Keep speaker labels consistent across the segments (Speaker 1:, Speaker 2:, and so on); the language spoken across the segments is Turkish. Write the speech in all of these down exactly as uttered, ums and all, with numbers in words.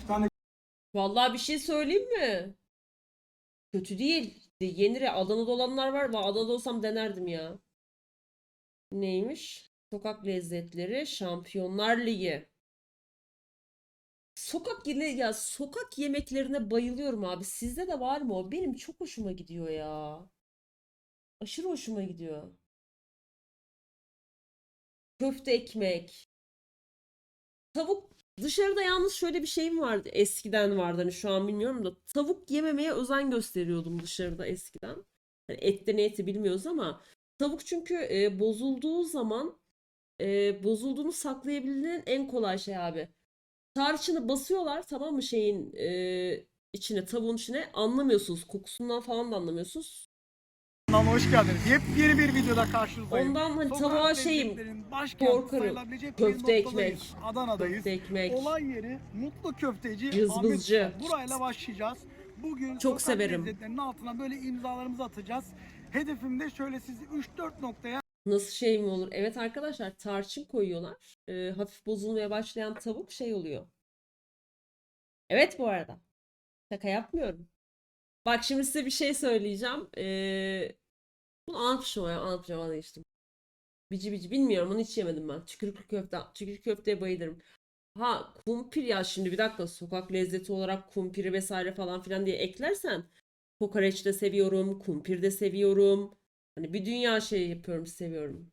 Speaker 1: tane
Speaker 2: Vallahi bir şey söyleyeyim mi? Kötü değil. Yenir ya. Adana'da olanlar var. Ben Adana'da olsam denerdim ya. Neymiş? Sokak lezzetleri Şampiyonlar Ligi. Sokak yine ya sokak yemeklerine bayılıyorum abi. Sizde de var mı o? Benim çok hoşuma gidiyor ya. Aşırı hoşuma gidiyor. Köfte ekmek. Tavuk dışarıda yalnız şöyle bir şeyim vardı. Eskiden vardı hani şu an bilmiyorum da tavuk yememeye özen gösteriyordum dışarıda eskiden. Hani ette ne eti bilmiyoruz ama tavuk çünkü e, bozulduğu zaman e, bozulduğunu saklayabildiğin en kolay şey abi. Tarçını basıyorlar tamam mı şeyin e, içine tavuğun içine anlamıyorsunuz. Kokusundan falan da anlamıyorsunuz.
Speaker 1: kanalına hoş geldiniz. Yepyeni bir videoda karşınızdayım.
Speaker 2: Ondan hani
Speaker 1: Sokak
Speaker 2: tavuğa şeyim
Speaker 1: lezzetlerinin başkenti
Speaker 2: korkarım.
Speaker 1: sayılabilecek bir
Speaker 2: Köfte
Speaker 1: noktadayız.
Speaker 2: ekmek.
Speaker 1: Adana'dayız.
Speaker 2: Köfte ekmek.
Speaker 1: Olay yeri Mutlu Köfteci Ahmet
Speaker 2: Cızbızcı.
Speaker 1: Usta. Burayla başlayacağız. Bugün
Speaker 2: Çok
Speaker 1: sokak
Speaker 2: severim.
Speaker 1: lezzetlerinin altına böyle imzalarımızı atacağız. Hedefim de şöyle sizi üç dört noktaya
Speaker 2: Nasıl şey mi olur? Evet arkadaşlar tarçın koyuyorlar. Ee, hafif bozulmaya başlayan tavuk şey oluyor. Evet bu arada. Şaka yapmıyorum. Bak şimdi size bir şey söyleyeceğim. Ee, bunu anlatmışım ya anlatacağım vazgeçtim. Bici bici bilmiyorum onu hiç yemedim ben. Çükürüklü köfte. Çükürüklü köfteye bayılırım. Ha kumpir ya şimdi bir dakika sokak lezzeti olarak kumpiri vesaire falan filan diye eklersen kokoreç de seviyorum, kumpir de seviyorum. Hani bir dünya şey yapıyorum, seviyorum.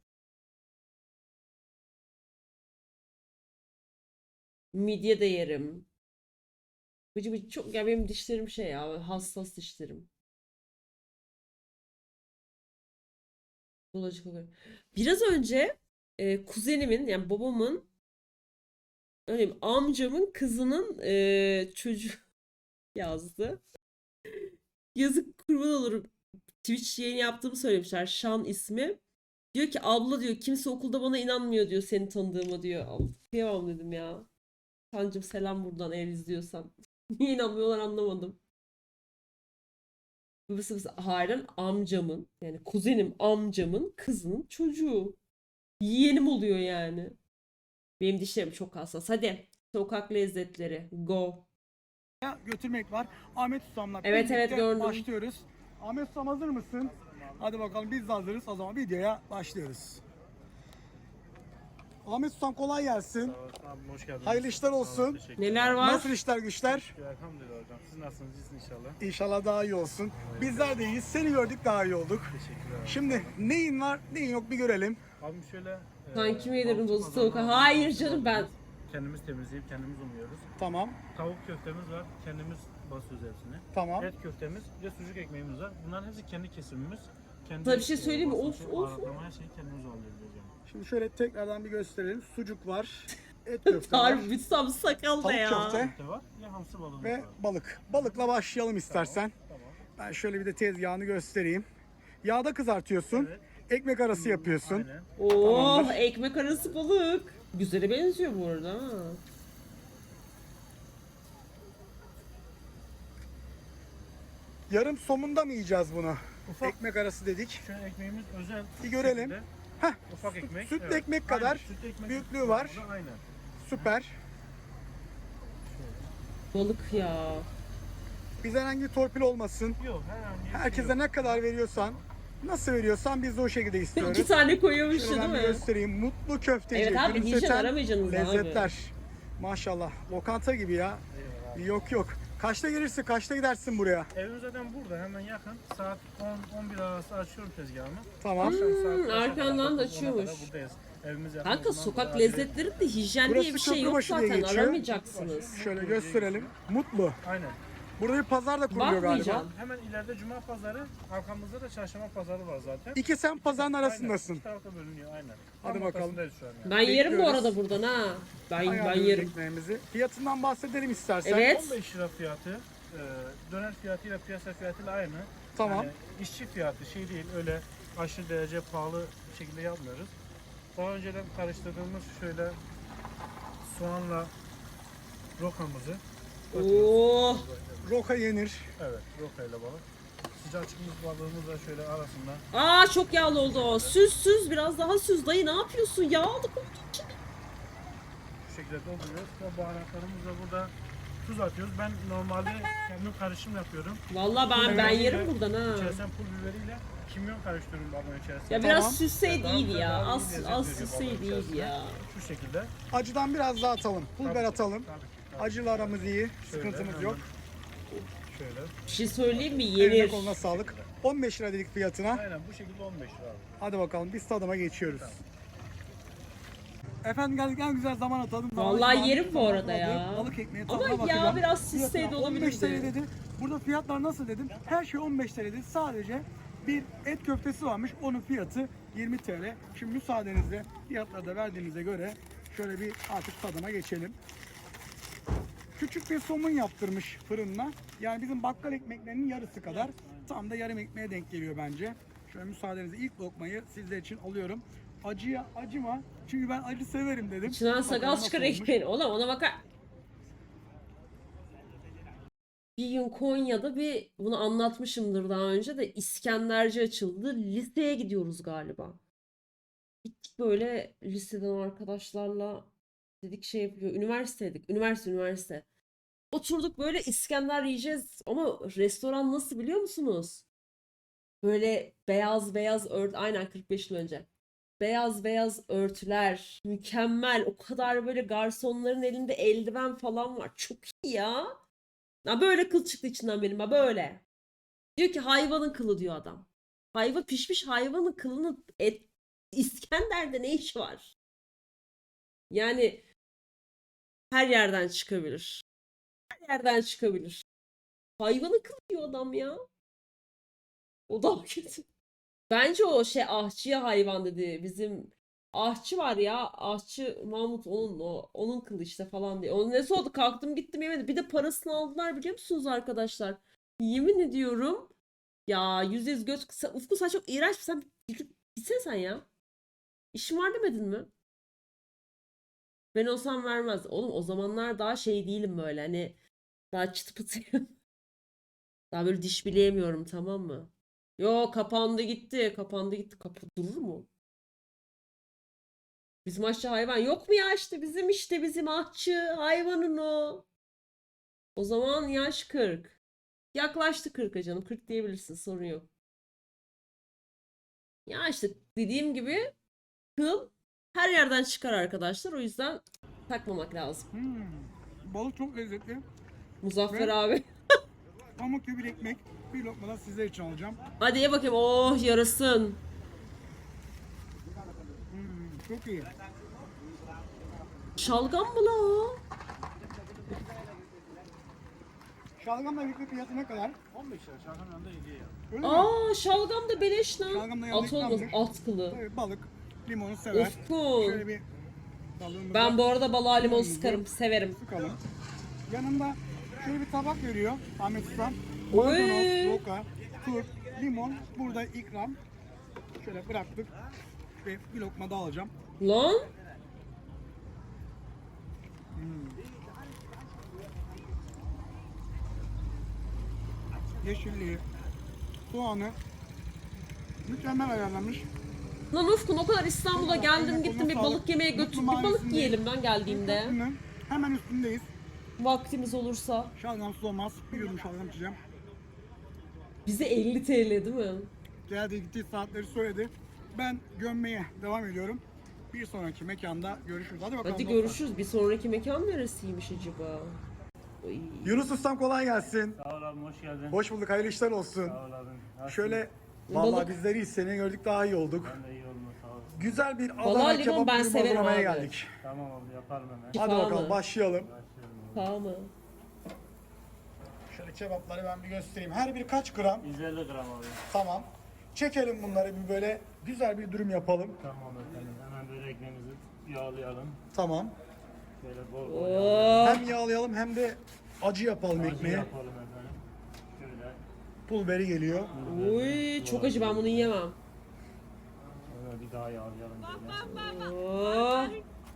Speaker 2: Midye de yerim. Bıcı bıcı çok ya benim dişlerim şey ya hassas dişlerim. Bulaşık kokuyor. Biraz önce e, kuzenimin yani babamın öyle amcamın kızının e, çocuğu yazdı. Yazık kurban olurum. Twitch yayını yaptığımı söylemişler. Şan ismi. Diyor ki abla diyor kimse okulda bana inanmıyor diyor seni tanıdığıma diyor. Al, kıyamam dedim ya. Kancım selam buradan eğer izliyorsan. Niye inanmıyorlar anlamadım. Babası babası halen amcamın yani kuzenim amcamın kızının çocuğu. Yeğenim oluyor yani. Benim dişlerim çok hassas. Hadi sokak lezzetleri go.
Speaker 1: götürmek var. Ahmet Ustam'la
Speaker 2: Evet evet
Speaker 1: birlikte
Speaker 2: gördüm.
Speaker 1: başlıyoruz. Ahmet Ustam hazır mısın? Hadi bakalım biz de hazırız. O zaman videoya başlıyoruz. Ahmet Ustam kolay gelsin.
Speaker 3: Sağ olasın abi, hoş geldiniz.
Speaker 1: Hayırlı işler
Speaker 3: Sağ olun,
Speaker 1: olsun.
Speaker 3: teşekkür
Speaker 2: Neler
Speaker 3: ederim.
Speaker 2: var?
Speaker 1: Nasıl işler güçler?
Speaker 3: Şükür, elhamdülillah hocam. Siz nasılsınız? İyisiniz inşallah.
Speaker 1: İnşallah daha iyi olsun. Bizler de iyiyiz. Seni gördük daha iyi olduk.
Speaker 3: Teşekkürler abi.
Speaker 1: Şimdi neyin var neyin yok bir görelim.
Speaker 3: Abim şöyle...
Speaker 2: Sanki mi
Speaker 3: e,
Speaker 2: yedirin
Speaker 3: balıkçı
Speaker 2: bozu
Speaker 3: pazarından
Speaker 2: tavuk?
Speaker 3: aldığımız
Speaker 2: Hayır
Speaker 3: balık
Speaker 2: canım ben.
Speaker 3: var. Kendimiz temizleyip kendimiz umuyoruz.
Speaker 1: Tamam.
Speaker 3: Tavuk köftemiz var. Kendimiz basıyoruz hepsini.
Speaker 1: Tamam.
Speaker 3: Et köftemiz ve sucuk ekmeğimiz var. Bunların hepsi kendi kesimimiz. Kendi,
Speaker 2: Sana bir şey
Speaker 3: e,
Speaker 2: söyleyeyim mi?
Speaker 3: basınçı,
Speaker 2: Of, of.
Speaker 3: baharatlama, her şeyi kendimiz alıyoruz hocam.
Speaker 1: Şimdi şöyle tekrardan bir gösterelim. Sucuk var. Et köfte var.
Speaker 2: Harbi bir sam sakal da
Speaker 1: Tavuk
Speaker 2: ya.
Speaker 1: köfte.
Speaker 3: Köfte var. Ya hamsi balığımız
Speaker 1: Ve
Speaker 3: var.
Speaker 1: balık. Balıkla başlayalım istersen.
Speaker 3: Tamam.
Speaker 1: Ben şöyle bir de tezgahını göstereyim. Yağda kızartıyorsun.
Speaker 3: Evet.
Speaker 1: Ekmek arası yapıyorsun.
Speaker 3: Aynen.
Speaker 2: Oh
Speaker 1: Tamamdır.
Speaker 2: ekmek arası balık. Güzele benziyor bu arada ha.
Speaker 1: Yarım somunda mı yiyeceğiz bunu?
Speaker 3: Ufak.
Speaker 1: Ekmek arası dedik.
Speaker 3: Şöyle ekmeğimiz özel.
Speaker 1: Bir görelim.
Speaker 3: şekilde.
Speaker 1: Heh,
Speaker 3: Ufak ekmek.
Speaker 1: sütlü
Speaker 3: evet.
Speaker 1: ekmek kadar
Speaker 3: Aynen, sütlü ekmek
Speaker 1: büyüklüğü var.
Speaker 3: Aynen.
Speaker 1: Süper.
Speaker 2: Balık ya.
Speaker 1: Bize herhangi torpil olmasın.
Speaker 3: Yok herhangi bir şey
Speaker 1: Herkese
Speaker 3: yok.
Speaker 1: ne kadar veriyorsan, nasıl veriyorsan biz de o şekilde istiyoruz.
Speaker 2: İki tane koyuyormuş
Speaker 1: Şöyle ben
Speaker 2: değil
Speaker 1: bir
Speaker 2: mi?
Speaker 1: göstereyim. Mutlu köfteci.
Speaker 2: Evet abi,
Speaker 1: gülümseten
Speaker 2: hijyen aramayacaksınız abi.
Speaker 1: lezzetler. Maşallah. Lokanta gibi ya.
Speaker 3: Eyvallah abi.
Speaker 1: Yok yok. Kaçta gelirsin, kaçta gidersin buraya?
Speaker 3: Evim zaten burada hemen yakın. Saat on on bir arası açıyorum tezgahımı.
Speaker 1: Tamam.
Speaker 3: Akşam saat beşe
Speaker 2: arkandan
Speaker 3: kadar,
Speaker 2: da
Speaker 3: dokuz ona kadar
Speaker 2: açıyormuş.
Speaker 3: buradayız. Evimiz yakın.
Speaker 2: Kanka
Speaker 3: Ondan
Speaker 2: sokak
Speaker 3: sonra
Speaker 2: lezzetlerinde hijyen
Speaker 1: Burası
Speaker 2: diye bir şey yok
Speaker 1: Köprübaşı diye
Speaker 2: zaten
Speaker 1: geçiyor.
Speaker 2: aramayacaksınız.
Speaker 1: Şöyle gösterelim. Mutlu.
Speaker 3: Aynen.
Speaker 1: Burada bir pazar da kuruluyor galiba.
Speaker 2: Bakmayacağım.
Speaker 3: Hemen ileride Cuma pazarı, arkamızda da Çarşamba pazarı var zaten.
Speaker 1: İki sen pazarın
Speaker 3: Aynen.
Speaker 1: arasındasın.
Speaker 3: İki tarafta bölünüyor aynen.
Speaker 1: Hadi
Speaker 3: Tam
Speaker 1: bakalım.
Speaker 3: ortasındayız şu an yani.
Speaker 2: Ben yerim bu
Speaker 1: Bekliyoruz.
Speaker 2: arada buradan ha. Ben ben
Speaker 1: Ayarlıyoruz
Speaker 2: yerim.
Speaker 1: ekmeğimizi. Fiyatından bahsedelim istersen.
Speaker 2: Evet.
Speaker 3: on beş lira fiyatı, e, döner fiyatıyla piyasa fiyatıyla aynı.
Speaker 1: Tamam.
Speaker 3: Yani işçi fiyatı şey değil, öyle aşırı derece pahalı bir şekilde yapmıyoruz. Daha önceden karıştırdığımız şöyle soğanla rokamızı
Speaker 2: Oh.
Speaker 1: Roka yenir.
Speaker 3: evet, rokayla balık. Sıcak çıkmış balığımız da şöyle arasında.
Speaker 2: Aa çok yağlı oldu o. Süz süz biraz daha süz. Dayı ne yapıyorsun? Yağlı koydun içine.
Speaker 3: Bu şekilde dolduruyoruz. Ve baharatlarımız da burada tuz atıyoruz. Ben normalde kendim karışım yapıyorum.
Speaker 2: Vallahi ben
Speaker 3: Pul
Speaker 2: ben
Speaker 3: biberiyle,
Speaker 2: yerim buradan ha.
Speaker 3: İçerisine pul biberiyle kimyon karıştırıyorum balığın içerisine.
Speaker 2: Ya biraz
Speaker 1: Tamam.
Speaker 2: süsseydi
Speaker 3: Daha
Speaker 2: iyiydi
Speaker 3: güzel,
Speaker 2: ya.
Speaker 3: daha iyi
Speaker 2: Az
Speaker 3: lezzet
Speaker 2: az
Speaker 3: veriyor
Speaker 2: süsseydi
Speaker 3: balığın
Speaker 2: iyiydi
Speaker 3: içerisine.
Speaker 2: ya.
Speaker 3: Şu şekilde.
Speaker 1: Acıdan biraz daha atalım. Pul biber
Speaker 3: Tabii,
Speaker 1: atalım.
Speaker 3: tabii ki, tabii.
Speaker 1: Acıyla aramız iyi.
Speaker 3: Şöyle,
Speaker 1: Sıkıntımız
Speaker 3: hemen
Speaker 1: yok.
Speaker 3: Şöyle.
Speaker 2: Bir şey söyleyeyim mi?
Speaker 1: Eline
Speaker 2: Yenir.
Speaker 1: koluna sağlık. on beş lira dedik fiyatına.
Speaker 3: Aynen bu şekilde on beş lira abi.
Speaker 1: Hadi bakalım biz tadıma geçiyoruz. Efendim geldik en güzel zaman atalım. Zaman
Speaker 2: Vallahi
Speaker 1: zaman-
Speaker 2: yerim bu
Speaker 1: zaman
Speaker 2: arada ya.
Speaker 1: adı, Balık ekmeği
Speaker 2: Ama
Speaker 1: tadına
Speaker 2: ya
Speaker 1: bakacağım.
Speaker 2: biraz süsseydi
Speaker 1: Fiyatına on beş T L
Speaker 2: olabilirdi.
Speaker 1: dedi. Burada fiyatlar nasıl dedim. Her şey on beş T L dedi. Sadece bir et köftesi varmış. Onun fiyatı yirmi T L. Şimdi müsaadenizle fiyatları da verdiğimize göre şöyle bir artık tadıma geçelim. Küçük bir somun yaptırmış fırınla. Yani bizim bakkal ekmeklerinin yarısı kadar. Tam da yarım ekmeğe denk geliyor bence. Şöyle müsaadenizle ilk lokmayı sizler için alıyorum. Acıya acıma. Çünkü ben acı severim dedim.
Speaker 2: İçinden
Speaker 1: Bakalım
Speaker 2: sakal
Speaker 1: nasıl
Speaker 2: çıkar
Speaker 1: olmuş.
Speaker 2: ekmeğin. Oğlum ona bakar. Bir gün Konya'da bir bunu anlatmışımdır daha önce de İskenderci açıldı. Liseye gidiyoruz galiba. Gittik böyle liseden arkadaşlarla dedik şey yapıyor. Üniversiteydik. Üniversite üniversite. Oturduk böyle İskender yiyeceğiz ama restoran nasıl biliyor musunuz? Böyle beyaz beyaz ört aynen kırk beş yıl önce. Beyaz beyaz örtüler, mükemmel. O kadar böyle garsonların elinde eldiven falan var. Çok iyi ya. Ya böyle kıl çıktı içinden benim ha böyle. Diyor ki hayvanın kılı diyor adam. Hayvan pişmiş hayvanın kılını et İskender'de ne işi var? Yani her yerden çıkabilir. Her yerden çıkabilir. Hayvanın kılı diyor adam ya. O da kötü. Bence o şey ahçıya hayvan dedi. Bizim ahçı var ya. Ahçı Mahmut onun o onun kılı işte falan diye. Onun nesi oldu? Kalktım gittim yemedi. Bir de parasını aldılar biliyor musunuz arkadaşlar? Yemin ediyorum. Ya yüz yüz göz kısa. Ufku sen çok iğrenç. Sen gidip gitsene sen ya. İşin var demedin mi? Ben olsam vermez. Oğlum o zamanlar daha şey değilim böyle hani daha çıtı pıtıyım. Daha böyle diş bileyemiyorum tamam mı? Yo kapandı gitti. Kapandı gitti. Kapı durur mu? Bizim aşçı hayvan yok mu ya işte bizim işte bizim ahçı hayvanın o. O zaman yaş kırk. Yaklaştı kırka canım. kırk diyebilirsin sorun yok. Ya işte dediğim gibi kıl her yerden çıkar arkadaşlar. O yüzden takmamak lazım.
Speaker 1: Hmm, balık çok lezzetli.
Speaker 2: Muzaffer
Speaker 1: Ve-
Speaker 2: abi.
Speaker 1: Pamuk gibi bir ekmek. Bir lokma da sizler için alacağım.
Speaker 2: Hadi ye bakayım. Oh yarasın.
Speaker 1: Hmm, çok iyi.
Speaker 2: Şalgam mı la o?
Speaker 1: Şalgamla birlikte fiyatı ne kadar?
Speaker 3: on beş lira. Şarkının yanında hediye ya.
Speaker 1: Öyle mi?
Speaker 2: Aa şalgam da beleş lan.
Speaker 1: Şalgam da yanında
Speaker 2: At olmaz
Speaker 1: ikramdır.
Speaker 2: at kılı.
Speaker 1: Tabii balık, limonu sever.
Speaker 2: Ufkun.
Speaker 1: Şöyle bir balığımızı
Speaker 2: Ben bu arada balığa limon
Speaker 1: limonumuzu
Speaker 2: sıkarım. Severim.
Speaker 1: sıkalım. Yanında şöyle bir tabak veriyor Ahmet Usta.
Speaker 2: Oy.
Speaker 1: Maydanoz, roka, turp, limon. Burada ikram. Şöyle bıraktık. Ve bir lokma daha alacağım.
Speaker 2: Lan.
Speaker 1: Yeşilliği, soğanı mükemmel ayarlamış.
Speaker 2: Lan Ufkun o kadar İstanbul'a geldim gittim bir
Speaker 1: Sağlık.
Speaker 2: balık yemeye
Speaker 1: Mutlu
Speaker 2: götür. Bir balık
Speaker 1: Mahallesi'ndeyiz.
Speaker 2: yiyelim ben geldiğimde.
Speaker 1: Köprünün hemen üstündeyiz.
Speaker 2: Vaktimiz olursa.
Speaker 1: Şalgamsız olmaz. Bir yudum şalgam içeceğim.
Speaker 2: Bize elli T L değil mi?
Speaker 1: Geldiği gittiği saatleri söyledi. Ben gömmeye devam ediyorum. Bir sonraki mekanda görüşürüz. Hadi bakalım.
Speaker 2: Hadi
Speaker 1: dostlar.
Speaker 2: görüşürüz. Bir sonraki mekan neresiymiş acaba? Oy.
Speaker 1: Yunus Ustam kolay gelsin.
Speaker 3: Sağ ol abim hoş geldin.
Speaker 1: Hoş bulduk. Hayırlı işler olsun.
Speaker 3: Sağ ol abim. Nasılsın?
Speaker 1: Şöyle
Speaker 2: Balık.
Speaker 1: vallahi bizleri iyi seni gördük daha iyi olduk.
Speaker 3: Ben de iyi olma sağ ol.
Speaker 1: Güzel bir
Speaker 2: Vallahi
Speaker 1: Adana
Speaker 2: limon
Speaker 1: kebap
Speaker 2: ben
Speaker 1: dürüm
Speaker 2: severim
Speaker 1: hazırlamaya
Speaker 2: abi.
Speaker 1: geldik.
Speaker 3: Tamam abi yaparım hemen.
Speaker 2: Şifa
Speaker 1: Hadi bakalım
Speaker 2: mı?
Speaker 1: başlayalım.
Speaker 3: Başlıyorum abi.
Speaker 2: Sağ mı?
Speaker 1: Şöyle kebapları ben bir göstereyim. Her biri kaç gram?
Speaker 3: yüz elli gram abi.
Speaker 1: Tamam. Çekelim bunları bir böyle güzel bir dürüm yapalım.
Speaker 3: Tamam efendim. Hemen böyle ekmeğimizi yağlayalım.
Speaker 1: Tamam.
Speaker 3: Şöyle bol bol
Speaker 2: Oh.
Speaker 1: Hem yağlayalım hem de acı yapalım
Speaker 3: acı
Speaker 1: ekmeği.
Speaker 3: yapalım efendim. Şöyle.
Speaker 1: Pul biberi geliyor.
Speaker 2: Uy çok acı ben bunu yiyemem.
Speaker 3: Sonra bir daha yağlayalım böyle.
Speaker 2: Oh.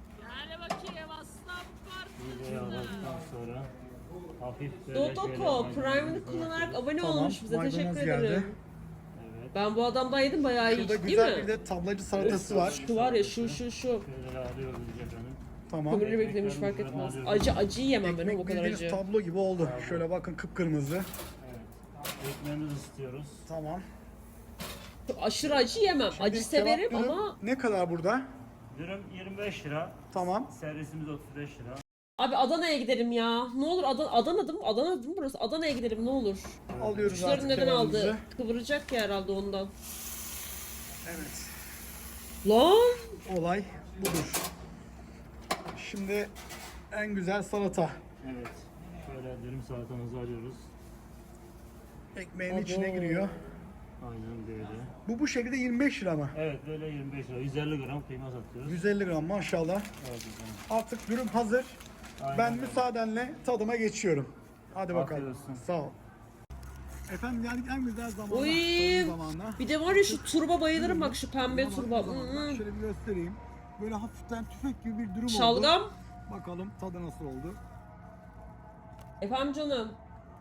Speaker 3: İyice yağladıktan sonra hafif böyle
Speaker 2: Dotoko
Speaker 3: şöyle
Speaker 2: Prime'ını
Speaker 3: maydanozumuzu
Speaker 2: kullanarak
Speaker 3: atıyoruz.
Speaker 2: abone
Speaker 1: Tamam,
Speaker 2: olmuş bize
Speaker 1: maydanoz
Speaker 2: teşekkür
Speaker 1: geldi.
Speaker 2: ederim.
Speaker 3: Evet.
Speaker 2: Ben bu adamdan yedim bayağı iyi
Speaker 1: Şurada
Speaker 2: değil
Speaker 1: güzel
Speaker 2: mi?
Speaker 1: bir de tablacı salatası var.
Speaker 2: Şu var ya şu şu şu.
Speaker 3: Şöyle yağlıyoruz iyice efendim.
Speaker 1: Tamam.
Speaker 2: Kömürlü beklemiş fark etmez. Acı acı yemem ben
Speaker 1: Ekmek
Speaker 2: o kadar
Speaker 1: bildiğiniz
Speaker 2: acı.
Speaker 1: tablo gibi oldu. Şöyle bakın kıpkırmızı.
Speaker 3: Evet. Ekmeğimizi ısıtıyoruz.
Speaker 1: Tamam.
Speaker 2: Aşırı acı yemem.
Speaker 1: Şimdi
Speaker 2: Acı severim
Speaker 1: kebap dürüm
Speaker 2: ama
Speaker 1: ne kadar burada?
Speaker 3: Dürüm yirmi beş lira.
Speaker 1: Tamam.
Speaker 3: Servisimiz otuz beş lira.
Speaker 2: abi Adana'ya gidelim ya. Ne olur Adana Adana'da mı? Adana'da mı burası? Adana'ya gidelim ne olur.
Speaker 1: Alıyoruz
Speaker 2: Kuşları
Speaker 1: artık
Speaker 2: neden aldı?
Speaker 1: kebabımızı.
Speaker 2: Kıvıracak ya herhalde ondan.
Speaker 1: Evet.
Speaker 2: Lan!
Speaker 1: Olay budur. Şimdi en güzel salata.
Speaker 3: Evet. Şöyle dürüm salatamızı alıyoruz.
Speaker 1: Ekmeğin
Speaker 2: Abo.
Speaker 1: içine giriyor.
Speaker 3: Aynen böyle.
Speaker 1: Bu bu şekilde yirmi beş lira mı?
Speaker 3: Evet böyle yirmi beş lira. yüz elli gram kıyma satıyoruz.
Speaker 1: yüz elli gram maşallah.
Speaker 3: Evet efendim.
Speaker 1: Artık dürüm hazır.
Speaker 3: Aynen
Speaker 1: Ben
Speaker 3: öyle.
Speaker 1: müsaadenle tadıma geçiyorum. Hadi bakalım.
Speaker 3: Afiyet olsun.
Speaker 1: Sağ ol. Efendim yani en güzel zamana.
Speaker 2: Oy!
Speaker 1: tadım zamanına.
Speaker 2: Bir de var ya şu turba bayılırım bak şu pembe
Speaker 1: Buna
Speaker 2: turba.
Speaker 1: baktığım zaman
Speaker 2: Hmm.
Speaker 1: Şöyle bir göstereyim. Böyle hafiften tüfek gibi bir dürüm oldu.
Speaker 2: Şalgam.
Speaker 1: Bakalım tadı nasıl oldu.
Speaker 2: Efendim canım.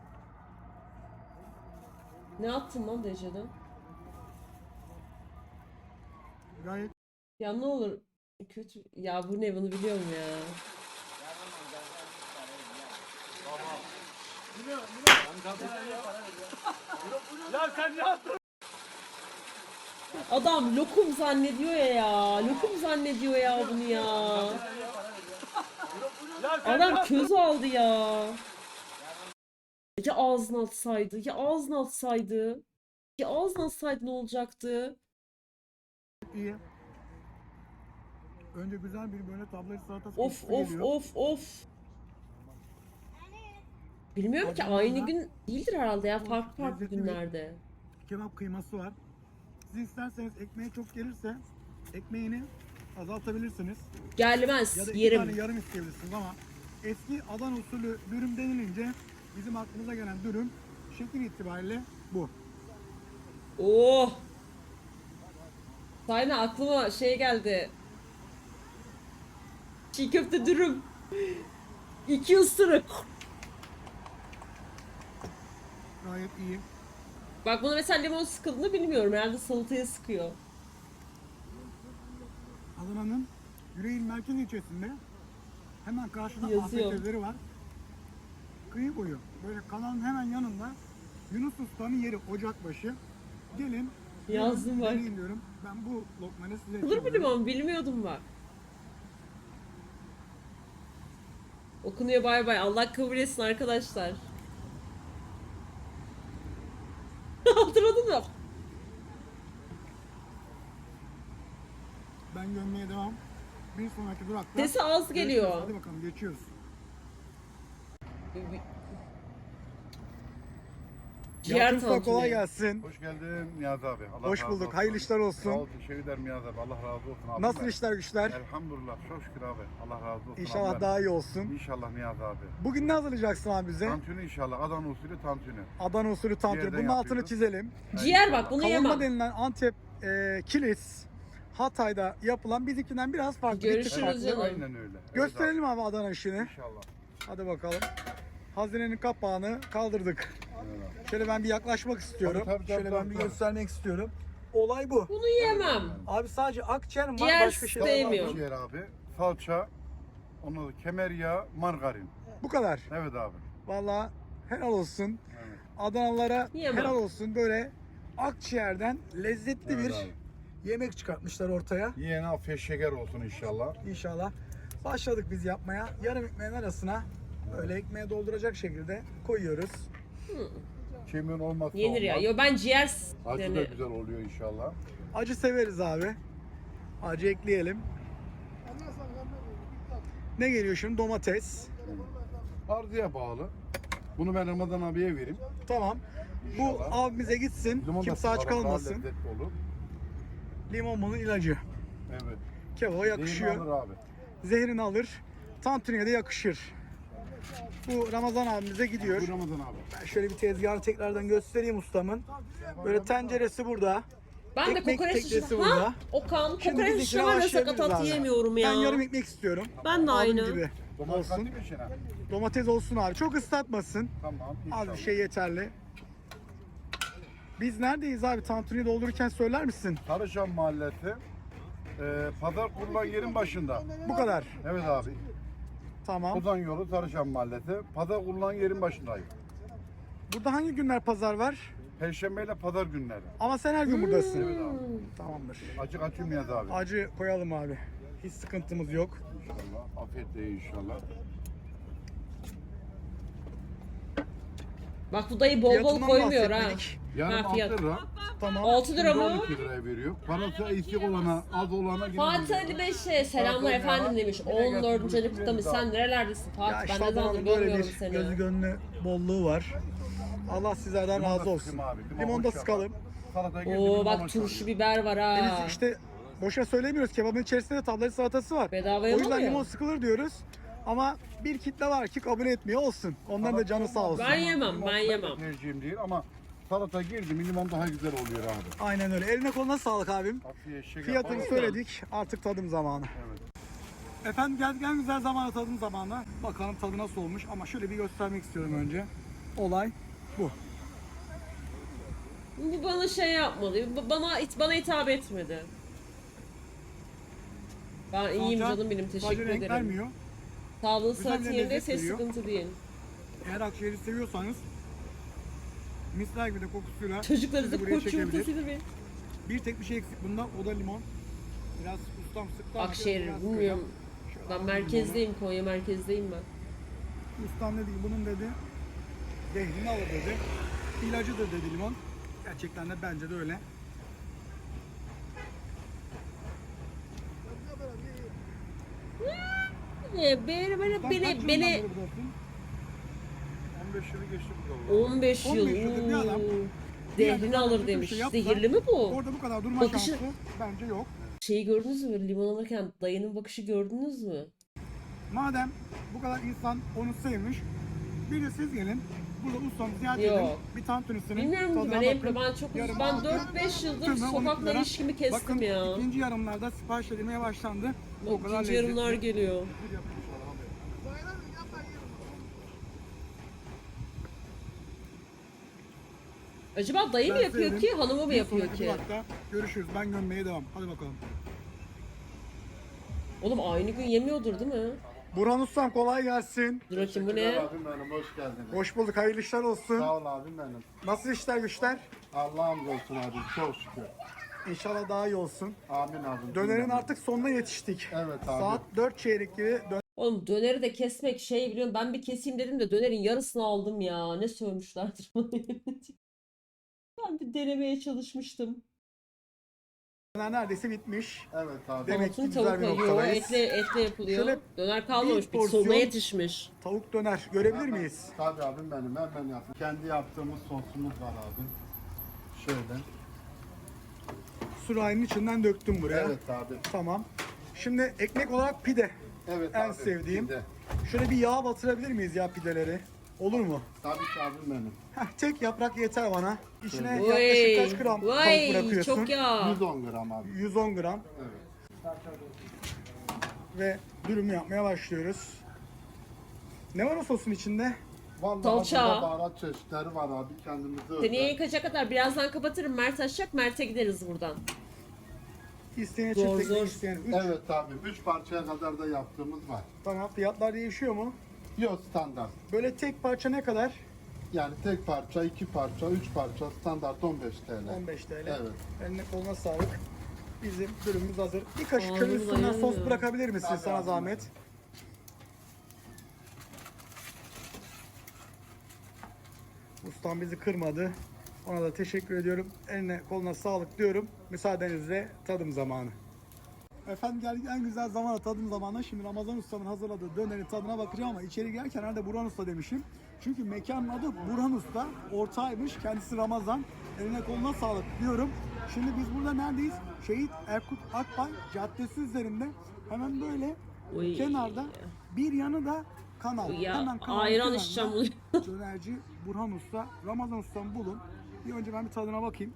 Speaker 2: Ne attın lan Dece'den?
Speaker 1: Gayet
Speaker 2: Ya ne olur kötü. Ya bu ne bunu biliyorum ya. Adam lokum zannediyor ya ya. Lokum zannediyor ya bunu ya. Adam köz aldı ya. Ya ağzına atsaydı, ya ağzına atsaydı. Ya ağzına atsaydı ne olacaktı?
Speaker 1: iyi. Önce güzel bir böyle tablet salatası
Speaker 2: Of
Speaker 1: kokusu
Speaker 2: of
Speaker 1: geliyor.
Speaker 2: of of. Bilmiyorum ki
Speaker 1: Acaba
Speaker 2: aynı
Speaker 1: da-
Speaker 2: gün değildir herhalde ya farklı farklı
Speaker 1: Lezzetli bir-
Speaker 2: günlerde.
Speaker 1: Kebap kıyması var. Siz isterseniz ekmeği çok gelirse ekmeğini azaltabilirsiniz.
Speaker 2: Gelmez
Speaker 1: Ya da iki
Speaker 2: yerim.
Speaker 1: tane yarım isteyebilirsiniz ama eski Adana usulü dürüm denilince bizim aklımıza gelen dürüm şekil itibariyle bu.
Speaker 2: Oh. Sayna aklıma şey geldi. Çiğ köfte dürüm. İki ısırık.
Speaker 1: Gayet iyi.
Speaker 2: Bak bunu mesela limon sıkıldığını bilmiyorum. Herhalde salataya sıkıyor.
Speaker 1: Adana'nın Yüreğin merkez ilçesinde hemen karşıda
Speaker 2: Yazıyor.
Speaker 1: afet evleri var. Kıyı boyu. Böyle kanalın hemen yanında Yunus Usta'nın yeri Ocakbaşı. Gelin.
Speaker 2: Yazdım
Speaker 1: gelin,
Speaker 2: bak.
Speaker 1: deneyin diyorum. Ben bu lokmanı size
Speaker 2: Olur mu
Speaker 1: yapıyorum.
Speaker 2: limon? Bilmiyordum bak. Okunuyor bay bay. Allah kabul etsin arkadaşlar. Hatırladın mı?
Speaker 1: Ben gömmeye devam. Bir sonraki durakta.
Speaker 2: Sesi az
Speaker 1: görüşürüz.
Speaker 2: geliyor.
Speaker 1: Hadi bakalım geçiyoruz.
Speaker 2: Ciğer
Speaker 1: Yalçın Usta kolay
Speaker 2: tantuni.
Speaker 1: gelsin.
Speaker 4: Hoş geldin Niyazi abi. Allah
Speaker 1: Hoş
Speaker 4: razı
Speaker 1: bulduk.
Speaker 4: olsun.
Speaker 1: Hayırlı işler olsun.
Speaker 4: Sağ ol, teşekkür ederim Niyazi abi. Allah razı olsun abi.
Speaker 1: Nasıl
Speaker 4: Ben-
Speaker 1: işler güçler?
Speaker 4: Elhamdülillah. Çok şükür abi. Allah razı olsun.
Speaker 1: İnşallah
Speaker 4: abi.
Speaker 1: daha iyi olsun.
Speaker 4: İnşallah Niyazi abi.
Speaker 1: Bugün ne hazırlayacaksın abi bize?
Speaker 4: Tantuni inşallah. Adana usulü tantuni.
Speaker 1: Adana usulü tantuni.
Speaker 4: Ciğerden
Speaker 1: Bunun altını
Speaker 4: yapıyoruz.
Speaker 1: çizelim.
Speaker 2: Ciğer bak bunu
Speaker 1: Kavurma
Speaker 2: yemem.
Speaker 1: denilen Antep e, kilis Hatay'da yapılan bizimkinden biraz farklı. bir tık
Speaker 2: Görüşürüz
Speaker 1: farklı.
Speaker 2: canım.
Speaker 4: Aynen öyle. Evet
Speaker 1: Gösterelim abi Adana işini.
Speaker 4: abi. İnşallah.
Speaker 1: Hadi bakalım. Hazinenin kapağını kaldırdık.
Speaker 4: Evet abi.
Speaker 1: Şöyle ben bir yaklaşmak istiyorum.
Speaker 4: Tabii, tabii,
Speaker 1: Şöyle
Speaker 4: tabii,
Speaker 1: ben bir
Speaker 4: tabii.
Speaker 1: göstermek istiyorum. Olay bu.
Speaker 2: Bunu yemem.
Speaker 1: Abi sadece akciğer mi var?
Speaker 2: Ciğer
Speaker 1: Başka şey
Speaker 2: de-
Speaker 1: var mı?
Speaker 2: Sevmiyorum.
Speaker 4: Ciğer abi. Salça. Ondan sonra kemer yağı, margarin.
Speaker 1: Bu kadar.
Speaker 4: Evet abi.
Speaker 1: Vallahi helal olsun.
Speaker 4: Evet.
Speaker 1: Adanalılara
Speaker 2: Yemem.
Speaker 1: helal olsun. Böyle akciğerden lezzetli
Speaker 4: Evet
Speaker 1: bir
Speaker 4: abi.
Speaker 1: yemek çıkartmışlar ortaya.
Speaker 4: Yiyene afiyet şeker olsun inşallah.
Speaker 1: İnşallah. Başladık biz yapmaya. Yarım ekmeğin arasına böyle ekmeğe dolduracak şekilde koyuyoruz.
Speaker 4: Kimin olmazsa
Speaker 2: Yenir ya.
Speaker 4: olmaz.
Speaker 2: Yo ben ciğer
Speaker 4: Acı
Speaker 2: yani
Speaker 4: da güzel oluyor inşallah.
Speaker 1: Acı severiz abi. Acı ekleyelim. Ne geliyor şimdi? Domates.
Speaker 4: Arzuya bağlı. Bunu ben Ramazan abiye vereyim.
Speaker 1: Tamam. Bu
Speaker 4: İnşallah.
Speaker 1: abimize gitsin.
Speaker 4: Limon da
Speaker 1: Kimse aç
Speaker 4: sıkarak daha
Speaker 1: kalmasın.
Speaker 4: lezzetli olur.
Speaker 1: Limon bunun ilacı.
Speaker 4: Evet.
Speaker 1: Kebaba
Speaker 4: Yakışıyor.
Speaker 1: yakışıyor.
Speaker 4: Abi.
Speaker 1: Zehrini alır. Tantuniye de yakışır. Bu Ramazan abimize gidiyor.
Speaker 4: Bu Ramazan abi.
Speaker 1: Ben şöyle bir tezgahı tekrardan göstereyim ustamın. Böyle tenceresi burada.
Speaker 2: ben de
Speaker 1: ekmek
Speaker 2: kokoreç
Speaker 1: teknesi
Speaker 2: şişi-
Speaker 1: burada.
Speaker 2: Ha? Okan
Speaker 1: Şimdi
Speaker 2: kokoreç
Speaker 1: bizimkine
Speaker 2: şişi var ya
Speaker 1: başlayabiliriz
Speaker 2: sakatat
Speaker 1: abi.
Speaker 2: yiyemiyorum ya.
Speaker 1: Ben yarım ekmek istiyorum.
Speaker 2: Ben de
Speaker 1: Abim
Speaker 2: aynı.
Speaker 1: gibi
Speaker 4: Domates
Speaker 1: olsun.
Speaker 4: katayım mı içine?
Speaker 1: Domates olsun abi. Çok ıslatmasın.
Speaker 4: Tamam
Speaker 1: Az
Speaker 4: inşallah.
Speaker 1: bir şey yeterli. Biz neredeyiz abi? Tantuni doldururken söyler misin?
Speaker 4: Sarıçam Mahallesi, Ee, pazar kurulan yerin başında.
Speaker 1: Bu kadar.
Speaker 4: Evet abi.
Speaker 1: Tamam.
Speaker 4: Ozan yolu Tarışan Mahallesi. Pazar kurulan yerin başındayım.
Speaker 1: Burada hangi günler pazar var?
Speaker 4: Perşembe ile pazar günleri.
Speaker 1: Ama sen her gün buradasın.
Speaker 4: Evet abi.
Speaker 1: Tamamdır.
Speaker 4: Acık açılmayız abi.
Speaker 1: Acı koyalım abi. Hiç sıkıntımız yok.
Speaker 4: İnşallah. Afiyetle inşallah.
Speaker 2: Bak bu dayı bol bol
Speaker 1: Fiyatından
Speaker 2: koymuyor ha.
Speaker 1: bahsetmedik.
Speaker 4: Yarım
Speaker 2: Ha, fiyat.
Speaker 4: altı lira.
Speaker 1: Tamam.
Speaker 2: altı lira
Speaker 4: Şimdi
Speaker 2: mı?
Speaker 4: on iki liraya veriyor. Parası eksik olana, az olana yine
Speaker 2: Fatih
Speaker 4: veriyor.
Speaker 2: Ali Beş'e selamlar
Speaker 4: Pardon ya.
Speaker 2: efendim demiş.
Speaker 4: Yine
Speaker 2: on dördüncü
Speaker 4: gelsin,
Speaker 2: ayını kutlamış.
Speaker 4: buyurun.
Speaker 2: Sen nerelerdesin
Speaker 1: Ya
Speaker 2: Fatih?
Speaker 1: işte
Speaker 2: Ben ne zamandır
Speaker 1: adamın böyle
Speaker 2: görmüyorum
Speaker 1: bir gözü
Speaker 2: seni.
Speaker 1: gönlü bolluğu var. Allah sizlerden
Speaker 4: Limon da
Speaker 1: razı olsun.
Speaker 4: sıkayım abi, limon
Speaker 1: Limon da
Speaker 4: boş yapar.
Speaker 1: sıkalım.
Speaker 4: Salataya girdi,
Speaker 2: Oo
Speaker 4: limon
Speaker 2: bak
Speaker 4: boş
Speaker 2: turşu
Speaker 4: oluyor.
Speaker 2: biber var ha.
Speaker 1: Biz işte boşa söylemiyoruz. Kebabın içerisinde de tablet salatası var.
Speaker 2: Bedavaya
Speaker 1: O
Speaker 2: mı
Speaker 1: yüzden
Speaker 2: oluyor?
Speaker 1: limon sıkılır diyoruz. Ama bir kitle var ki kabul etmiyor olsun. Onların da canı sağ olsun.
Speaker 2: Ben yemem,
Speaker 4: Limon
Speaker 2: ben
Speaker 4: benim de
Speaker 2: yemem.
Speaker 4: tercihim değil ama salata girdi mi limon daha güzel oluyor abi.
Speaker 1: Aynen öyle. Eline koluna sağlık abim.
Speaker 4: Afiye şeker
Speaker 1: Fiyatını
Speaker 4: falan.
Speaker 1: söyledik. Artık tadım zamanı.
Speaker 4: Evet.
Speaker 1: Efendim geldik en güzel zamana tadım zamanı. Bakalım tadı nasıl olmuş ama şöyle bir göstermek istiyorum önce. Olay bu.
Speaker 2: Bu bana şey yapmadı. bu Bana bana hitap etmedi. Ben iyiyim
Speaker 1: Salça
Speaker 2: canım benim,
Speaker 1: sadece
Speaker 2: teşekkür
Speaker 1: renk
Speaker 2: ederim.
Speaker 1: vermiyor.
Speaker 2: Sağlığı
Speaker 1: Güzel
Speaker 2: sıhhati
Speaker 1: bir
Speaker 2: yerindeyse
Speaker 1: lezzet veriyor.
Speaker 2: sıkıntı değil.
Speaker 1: Eğer akciğeri seviyorsanız misler gibi de kokusuyla
Speaker 2: Çocuklarınızı
Speaker 1: sizi buraya
Speaker 2: koç
Speaker 1: çekebilir.
Speaker 2: yumurtasıdır benim.
Speaker 1: Bir tek bir şey eksik bunda, o da limon. Biraz ustam sıktı ama
Speaker 2: Akşehir
Speaker 1: biraz
Speaker 2: bilmiyorum.
Speaker 1: sıkacağım. Şöyle
Speaker 2: Ben
Speaker 1: alalım
Speaker 2: merkezdeyim, Konya merkezdeyim ben.
Speaker 1: limonu. Ustam dedi ki bunun dedi zehrini alır dedi. İlacıdır dedi limon. Gerçekten de bence de öyle.
Speaker 2: Beni beni beni
Speaker 1: Ustam kaç
Speaker 2: beni,
Speaker 1: yılından
Speaker 2: beni
Speaker 1: beri buradasın?
Speaker 4: on beş yılı geçti burada.
Speaker 2: on beş yıl.
Speaker 1: on beş yıldır bir adam
Speaker 2: uuu,
Speaker 1: bir yerde
Speaker 2: Zehrini
Speaker 1: zaten
Speaker 2: alır
Speaker 1: kötü bir
Speaker 2: demiş.
Speaker 1: şey yapsa,
Speaker 2: Zehirli mi bu?
Speaker 1: Orada bu kadar durma
Speaker 2: Bakışı-
Speaker 1: şansı bence yok.
Speaker 2: Şeyi gördünüz mü? Limon alırken dayının bakışı gördünüz mü?
Speaker 1: Madem bu kadar insan onu sevmiş, bir de siz gelin. Burada ustamı ziyaret
Speaker 2: Yok.
Speaker 1: edin. Bir tantunisinin
Speaker 2: Bilmiyorum ki
Speaker 1: tadına
Speaker 2: ben
Speaker 1: bakın.
Speaker 2: hep ben çok uzun.
Speaker 1: Yarım
Speaker 2: Ben
Speaker 1: altı,
Speaker 2: dört beş yıldır
Speaker 1: tümü on iki
Speaker 2: sokakla
Speaker 1: lira.
Speaker 2: ilişkimi kestim
Speaker 1: Bakın,
Speaker 2: ya.
Speaker 1: ikinci yarımlarda sipariş edilmeye başlandı. O kadar
Speaker 2: İkinci yarımlar
Speaker 1: lezzetli.
Speaker 2: geliyor. Acaba dayı mı
Speaker 1: Ben
Speaker 2: yapıyor
Speaker 1: sevdim.
Speaker 2: ki, hanımı mı
Speaker 1: Bir
Speaker 2: yapıyor
Speaker 1: sonraki
Speaker 2: ki?
Speaker 1: durakta görüşürüz. Ben gömmeye devam. Hadi bakalım.
Speaker 2: Oğlum aynı gün yemiyordur değil mi?
Speaker 1: Burhan Ustam kolay gelsin.
Speaker 2: Dur bakayım bu
Speaker 4: Teşekkürler
Speaker 2: ne?
Speaker 4: abim benim, hoş geldiniz.
Speaker 1: Hoş bulduk. Hayırlı işler olsun.
Speaker 4: Sağ ol abim benim.
Speaker 1: Nasıl işler güçler?
Speaker 4: Allah'ım olsun abi, çok şükür.
Speaker 1: İnşallah daha iyi olsun.
Speaker 4: Amin abim.
Speaker 1: Dönerin artık sonuna yetiştik.
Speaker 4: Evet abi.
Speaker 1: Saat dört çeyrek gibi dön-
Speaker 2: Oğlum döneri de kesmek şey biliyorum, ben bir keseyim dedim de dönerin yarısını aldım ya. Ne sövmüşlerdir bana. Ben bir denemeye çalışmıştım.
Speaker 1: döner neredeyse bitmiş.
Speaker 4: Evet abi.
Speaker 1: Demek ki
Speaker 2: Altın
Speaker 1: güzel
Speaker 2: tavuk
Speaker 1: bir
Speaker 2: yiyor,
Speaker 1: noktadayız.
Speaker 2: etle, etle yapılıyor.
Speaker 1: Şöyle
Speaker 2: Döner kalmamış,
Speaker 1: bir
Speaker 2: bir sonuna
Speaker 1: porsiyon-
Speaker 2: yetişmiş.
Speaker 1: Tavuk döner görebilir miyiz?
Speaker 4: Tabii abim benim, hemen yaptım. Kendi yaptığımız sosumuz var abi. Şöyle.
Speaker 1: Sürahinin içinden döktüm buraya.
Speaker 4: Evet abi.
Speaker 1: Tamam. Şimdi ekmek olarak pide.
Speaker 4: Evet
Speaker 1: En
Speaker 4: abi.
Speaker 1: sevdiğim.
Speaker 4: Bir de.
Speaker 1: Şöyle bir yağ batırabilir miyiz ya pideleri? Olur mu?
Speaker 4: Tabii ki abim benim.
Speaker 1: Heh, tek yaprak yeter bana. İçine
Speaker 4: Evet.
Speaker 1: yaklaşık
Speaker 2: Vay,
Speaker 1: kaç gram tavuk
Speaker 2: vay
Speaker 1: bırakıyorsun?
Speaker 2: çok yağ.
Speaker 4: yüz on gram abi.
Speaker 1: yüz on gram.
Speaker 4: Evet.
Speaker 1: Ve dürüm yapmaya başlıyoruz. Ne var o sosun içinde?
Speaker 4: Vallahi
Speaker 2: Salça.
Speaker 4: burada baharat çeşitleri var abi, kendimize
Speaker 2: Seni
Speaker 4: özel.
Speaker 2: yıkacak kadar birazdan kapatırım. Mert açacak, Mert'e gideriz buradan.
Speaker 1: İsteyene
Speaker 2: Zor,
Speaker 1: çift
Speaker 2: zor.
Speaker 1: ekmek, isteyene üç.
Speaker 4: Evet abi, üç parçaya kadar da yaptığımız var.
Speaker 1: Tamam, fiyatlar değişiyor mu?
Speaker 4: Yok, standart.
Speaker 1: Böyle tek parça ne kadar?
Speaker 4: Yani tek parça, iki parça, üç parça, standart on beş T L.
Speaker 1: on beş T L.
Speaker 4: Evet.
Speaker 1: Eline koluna sağlık. Bizim dürümümüz hazır. Bir kaşık
Speaker 2: Ağzım
Speaker 1: şöyle üstünden sos
Speaker 2: dayanmıyor.
Speaker 1: bırakabilir misin
Speaker 4: Tabii
Speaker 1: sana
Speaker 4: abi.
Speaker 1: zahmet? Ustam bizi kırmadı. Ona da teşekkür ediyorum. Eline koluna sağlık diyorum. Müsaadenizle tadım zamanı. Efendim geldik en güzel zamana, tadım zamanı. Şimdi Ramazan Usta'nın hazırladığı dönerin tadına bakacağım ama içeri girerken herhalde Burhan Usta demişim. Çünkü mekanın adı Burhan Usta. Ortağıymış. Kendisi Ramazan. Eline koluna sağlık diyorum. Şimdi biz burada neredeyiz? Şehit Erkut Akbay Caddesi üzerinde. Hemen böyle
Speaker 2: Oy.
Speaker 1: kenarda bir yanı da kanal.
Speaker 2: Ya
Speaker 1: Hemen kanalın
Speaker 2: ayran
Speaker 1: kenarında
Speaker 2: içeceğim bunu.
Speaker 1: Dönerci Burhan Usta. Ramazan Usta'mı bulun. Bir önce ben bir tadına bakayım.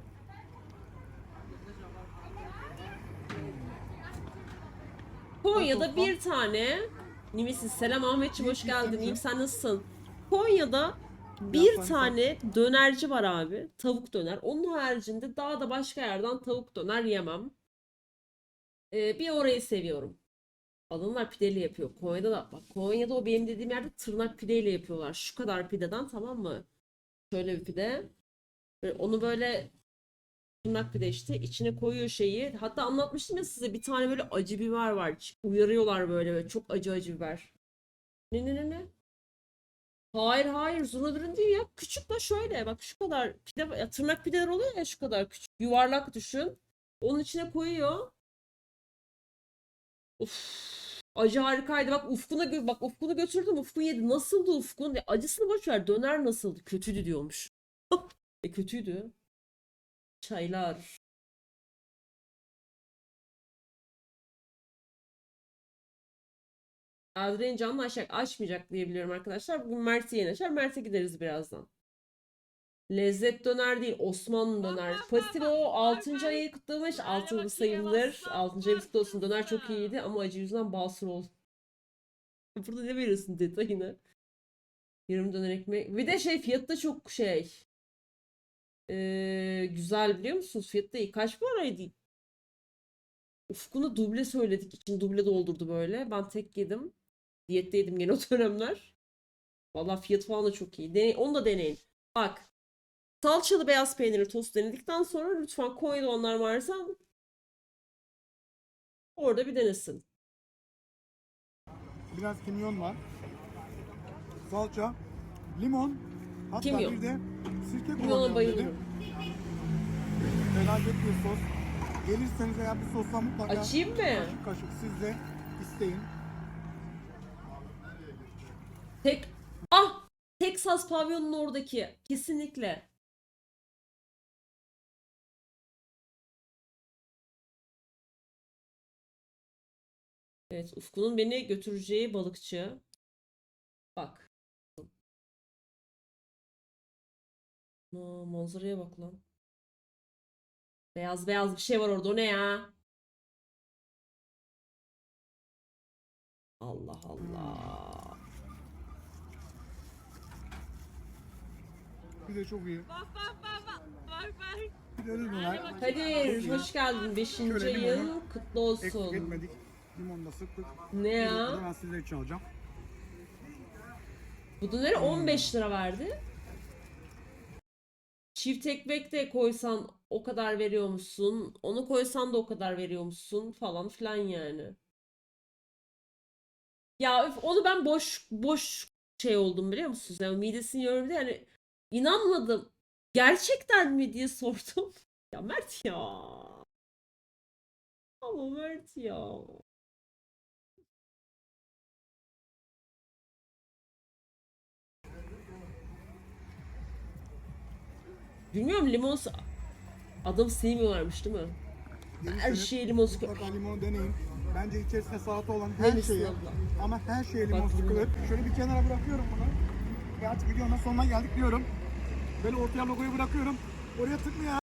Speaker 2: Konya'da bir tane Nimisiz. Selam Ahmetciğim, hoş geldin. İyiyim, sen nasılsın? Konya'da bir
Speaker 1: sen-
Speaker 2: tane dönerci var abi. Tavuk döner. Onun haricinde daha da başka yerden tavuk döner yemem. Ee, bir orayı seviyorum. Adamlar pideli yapıyor. Konya'da da bak, Konya'da o benim dediğim yerde tırnak pideyle yapıyorlar. Şu kadar pideden, tamam mı? Şöyle bir pide. Böyle onu böyle tırnak pide işte içine koyuyor şeyi. Hatta anlatmıştım ya size, bir tane böyle acı biber var. Uyarıyorlar böyle, böyle çok acı acı biber. Ne ne ne ne? Hayır hayır, zurna dürüm değil ya. Küçük de şöyle bak, şu kadar pide, ya tırnak pideler oluyor ya, şu kadar küçük. Yuvarlak düşün. Onun içine koyuyor. Uf. Acı harikaydı. Bak Ufkun'a gö- bak Ufkun'u götürdüm. Ufkun yedi. Nasıldı Ufkun? Ya acısını boş ver. Döner nasıldı? Kötüydü diyormuş. E kötüydü. Çaylar. Adren canlı aşak açmayacak diye biliyorum arkadaşlar. Bugün Mert'e yeni açar. Mert'e gideriz birazdan. Lezzet döner değil, Osmanlı döner. Fatilo altıncı ayı kutlamış. altıncı sayımdır. altıncı ayı kutlu olsun. Döner çok iyiydi ama acı yüzünden basur oldu. Burada ne veriyorsun detayını? Yarım döner ekmek. Bir de şey, fiyatı da çok şey. Ee, güzel biliyor musunuz? Fiyatı da iyi. Kaç paraydı? Ufkunu duble söyledik. İçin duble doldurdu böyle. Ben tek yedim. Diyetteydim gene o dönemler. Vallahi fiyat falan da çok iyi. Deney, onu da deneyin. Bak. Salçalı beyaz peynirli tost denedikten sonra lütfen Konya'da onlar varsa orada bir denesin.
Speaker 1: Biraz kimyon var. Salça, limon, hatta
Speaker 2: Kimyon.
Speaker 1: bir de sirke
Speaker 2: Kimyona
Speaker 1: kullanıyorum dedi.
Speaker 2: bayılıyorum.
Speaker 1: Felaket bir sos. Gelirseniz eğer bu sosla mutlaka
Speaker 2: Açayım mı?
Speaker 1: kaşık kaşık siz de isteyin.
Speaker 2: Tek ah Texas pavyonunun oradaki kesinlikle. Evet, Ufku'nun beni götüreceği balıkçı. Bak. Aa, manzaraya bak lan. Beyaz beyaz bir şey var orada. O ne ya? Allah Allah.
Speaker 1: Bir de çok iyi.
Speaker 5: Bak bak bak bak bak bak.
Speaker 1: Bir de öyle döner.
Speaker 2: Kadir hoş geldin. beşinci
Speaker 1: Şöyle limonu
Speaker 2: ayın kutlu
Speaker 1: Eksik
Speaker 2: olsun.
Speaker 1: etmedik. Limonla sıktık.
Speaker 2: Ne
Speaker 1: Bir
Speaker 2: ya?
Speaker 1: lokma da ben sizler için alacağım.
Speaker 2: Bu döneri on beş lira verdi. Çift ekmek de koysan o kadar veriyormuşsun. Onu koysan da o kadar veriyormuşsun falan filan yani. Ya öf, onu ben boş boş şey oldum biliyor musunuz? Yani midesini yiyorum diye yani inanmadım. Gerçekten mi diye sordum. Ya Mert ya. Ama Mert ya. Bilmiyorum, limon s- adam sevmiyorlarmış değil mi? Her
Speaker 1: Gelirseniz
Speaker 2: şeye limon sıkıyor.
Speaker 1: mutlaka limonu deneyin. Bence içerisinde salata olan her
Speaker 2: Hangisini
Speaker 1: şeye
Speaker 2: abla?
Speaker 1: ama her şeye limon
Speaker 2: Bak,
Speaker 1: sıkılır. Şöyle bir kenara bırakıyorum bunu. Ve artık videonun sonuna geldik diyorum. Böyle ortaya logoyu bırakıyorum. Oraya tıklayarak